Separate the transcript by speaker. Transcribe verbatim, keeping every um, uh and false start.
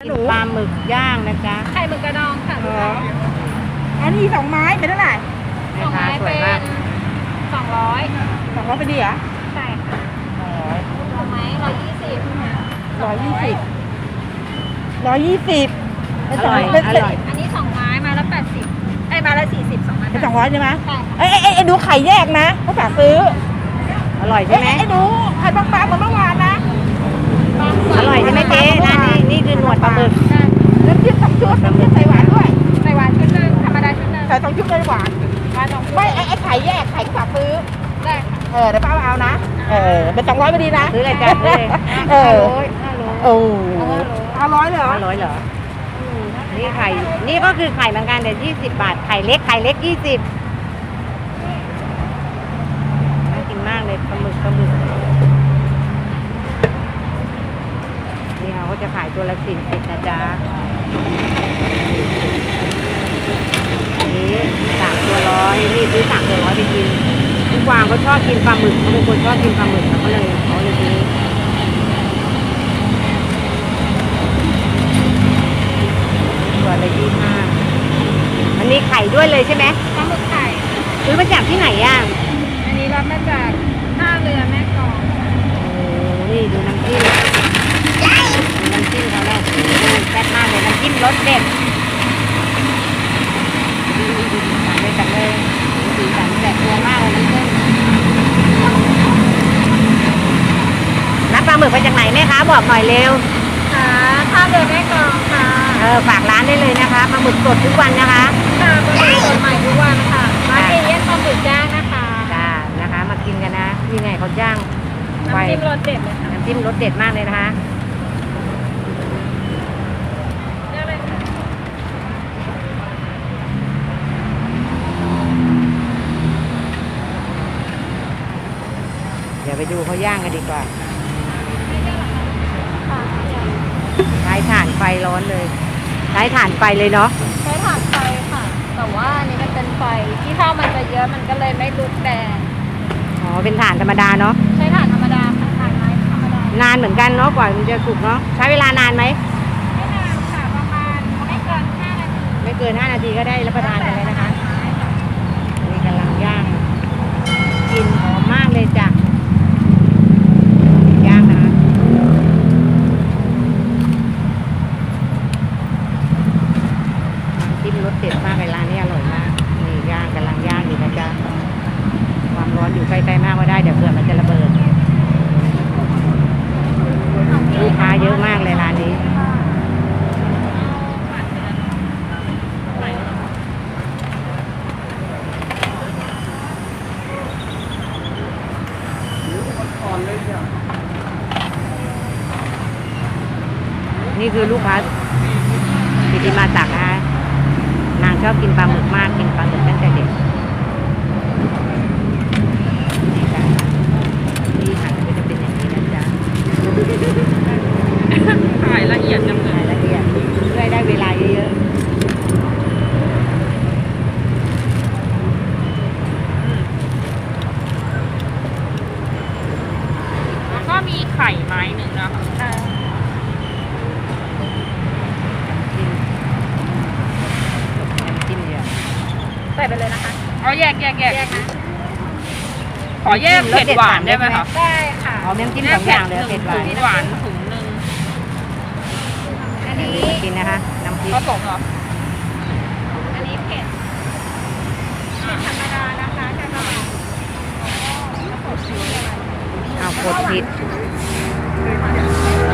Speaker 1: กินปลาหมึกย่างนะจ๊ะ
Speaker 2: ไข่หมึกกระดองค่ะลูกค้า
Speaker 3: อันนี้สองไม้เป็นเท่าไหร่
Speaker 2: สองไม้
Speaker 1: สวย
Speaker 2: เป็
Speaker 1: มาก
Speaker 2: นสองร้อย
Speaker 3: สองร้อยเป็นดีเหรอ
Speaker 2: ใช่ค่ะสองไม้ร้อยยี่สิบ
Speaker 3: ร้อยยี่สิบร้อยยี่สิบ
Speaker 1: อร่อยอร่อย
Speaker 2: อันนี้สองไม้ไม้ละแปดสิบไอ้ไม้ละสี่สิบสองไม้
Speaker 3: เป็นสองร้อยใช่ไหม
Speaker 2: ใช่
Speaker 3: เอ้ยเอ้ยเอ้ยดูไข่แยกนะเขาฝากซื้อ
Speaker 1: อร่อยใช่ไหม
Speaker 3: เอ้ยดูไข่บางๆเหมือนเมื่อวานนะ
Speaker 1: อร่อยใช่ไหมเจ๊ร้านนี้นี่คือหนวดปลาหมึก
Speaker 2: ใช่
Speaker 3: น้ำจิ้มสองชุดน้ำจิ้มใส่หวานด้วย
Speaker 2: ใส่หวานชุดหนึงธรรมดาชุดหนึง
Speaker 3: ใส่สองชุดเลยหวาน
Speaker 2: หวานสองชุด
Speaker 3: ไม่ไอ้ไอ้ไข่แยกไข่ก็ฝากซื้อ
Speaker 2: ได้ค่ะ
Speaker 3: เออเดี๋ยวป้าเอานะเออเป็นสองร้อยพอดีนะ
Speaker 1: ซื้อเลยจ้ะซื้อเลย
Speaker 3: เอ
Speaker 1: ห้า
Speaker 3: อ
Speaker 1: ร้อยห้าร้อย
Speaker 3: โอ้เอาร้อยเลยเหรอ
Speaker 1: ห้าร้อยเหรอนี่ไข่นี่ก็คือไข่เหมือนกันแต่ยี่สิบบาทไข่เล็กไข่เล็กยี่สิบน่ากินมากเลยปลาหมึกปลาหมึกนี่เขาก็จะขายตัวละสี่สิบนะจ๊ะอันนี้สามตัวร้อยนี่ซื้อสามตัวร้อยไปกินทุกวางเขาชอบกินปลาหมึกเขาเป็นคนชอบกินปลาหมึกเขาเลยเขาเลยซื้อตัวละยี่ห้าอันนี้ไข่ด้วยเลยใช่ไหม
Speaker 2: ปลาหมึกไข่
Speaker 1: ซื้อมาจากที่ไหนอ่ะ
Speaker 2: อันนี้รับมาจากท่าเรือแม่กลอง
Speaker 1: โอ้นี่ดูน้ำจิ้มดูน้ำจิ้มเขาแล้วโอ้โหแซ่บมากเลยน้ำจิ้มรสเด็ดสั่งเลยสั่งเลยสีสันแบบตัวมากเลยน้ำจิ้มรับปลาหมึกมาจากไหนแม่คะบอกหน่อยเร็ว
Speaker 2: ค่ะท่าเรือแม่กลองค่ะ
Speaker 1: เออฝากร้านได้เลยนะคะปลาหมึกสดทุกวันนะคะ
Speaker 2: ค่ะปลาหมึกสดใหม่ทุกวันค่ะร้านเอเย่นปลาหมึกย่างนะคะ
Speaker 1: จ้านะคะมากินกันนะที่ไหนเขาจ้างไฟ
Speaker 2: น้ำจิ้มรสเด็ดเลยค่ะ
Speaker 1: น้ำจิ้มรสเด็ดมากเลยนะคะ
Speaker 2: เลือกเลยค่ะ
Speaker 1: เดี๋ยวไปดูเขาย่างกันดีกว่า
Speaker 2: ค่ะ
Speaker 1: ใช้ถ่านไฟร้อนเลยใช้ถ่านไฟเลยเนาะ
Speaker 2: ใช้ถ่านไฟค่ะ แต่ว่าอันนี้มันเป็นไฟที่ข้าวมันจะเยอะมันก็เลยไม่ลุกแดง
Speaker 1: อ๋อเป็นถ่านธรรมดาเนาะ
Speaker 2: ใช้ถ่านธรรมดาค่ะถ่านไม้ธรรมดาน
Speaker 1: านเหมือนกันเนาะกว่ามันจะสุกเนาะใช้เวลานานไหม
Speaker 2: ไม่นานค่ะประมาณไม่เกินห้านาที
Speaker 1: ไม่เกินห้านาทีก็ได้รับประทานกันเลยนะคะนี่กำลังย่างกลิ่นหอมมากเลยจ้ะย่างนะคะน้ำจิ้มรสเด็ดมากเลยร้านนี้อร่อยมากนี่ย่างกำลังย่างอยู่นะจ๊ะความร้อนอยู่ใกล้ๆมากก็ได้เดี๋ยวเผื่อมันจะระเบิดลูกค้าเยอะมากเลยร้านนี้นี่คือลูกค้าปิติมาศักดิ์นะคะนางชอบกินปลาหมึกมากกินปลาหมึกตั้งแต่เด็กนี่ค่ะที่หั่นก็จะเป็นอย่างนี้นะจ๊ะ
Speaker 2: ถ่ายละเอียดจังเล
Speaker 1: ราย ยละเอียดเพื่อให้ได้เวลาเยอะ
Speaker 2: แล้วก็มีไข่ไม้หนึ่งนะคะ
Speaker 1: ๆน้ำจิ้มเยอะ
Speaker 2: ใส่ไปเลยนะคะ
Speaker 4: เอาแยกแยกแยก
Speaker 2: แยกนะ
Speaker 4: ขอแยกเผ็ดหวานได้ไหมคะ
Speaker 2: ได้ค่ะ
Speaker 1: เอาน้ำจิ้มสองอย่างเลยเผ็ดหวาน
Speaker 4: ถุงหวานถุงหนึ่ง
Speaker 2: อันนี้
Speaker 1: กินนะคะน้ำพริก
Speaker 4: ผสมเหรอ
Speaker 2: อันนี้เผ็ดเผ็ดธรรมดานะคะจะหน่อยแล้วกดชีสอะไร
Speaker 1: เอากดผิด
Speaker 2: เ